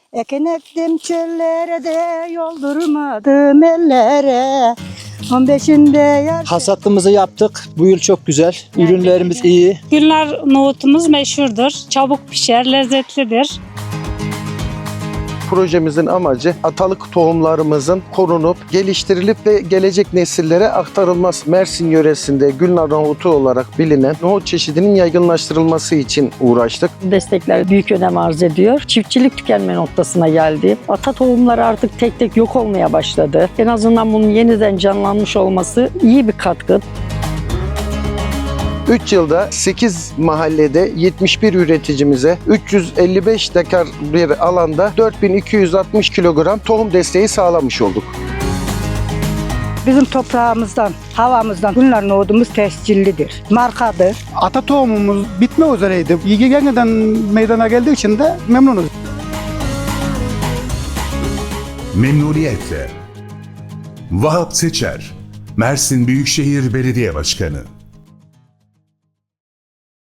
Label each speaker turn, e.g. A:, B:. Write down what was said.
A: Eken ektim çöllere de yoldurmadım ellere. 15'inde yar.
B: Hasatlığımızı yaptık. Bu yıl çok güzel. Ürünlerimiz iyi.
C: Gülnar nohutumuz meşhurdur. Çabuk pişer, lezzetlidir.
D: Projemizin amacı atalık tohumlarımızın korunup, geliştirilip ve gelecek nesillere aktarılması. Mersin yöresinde Gülnar nohutu olarak bilinen nohut çeşidinin yaygınlaştırılması için uğraştık.
E: Destekler büyük önem arz ediyor. Çiftçilik tükenme noktasına geldi. Ata tohumları artık tek tek yok olmaya başladı. En azından bunun yeniden canlanmış olması iyi bir katkı.
D: 3 yılda 8 mahallede 71 üreticimize 355 dekar bir alanda 4260 kilogram tohum desteği sağlamış olduk.
A: Bizim toprağımızdan, havamızdan Gülnar nohudumuz tescillidir, markadır.
F: Ata tohumumuz bitme üzereydi. Yeniden meydana geldiği için de memnunuz.
G: Memnuniyetle. Vahap Seçer, Mersin Büyükşehir Belediye Başkanı.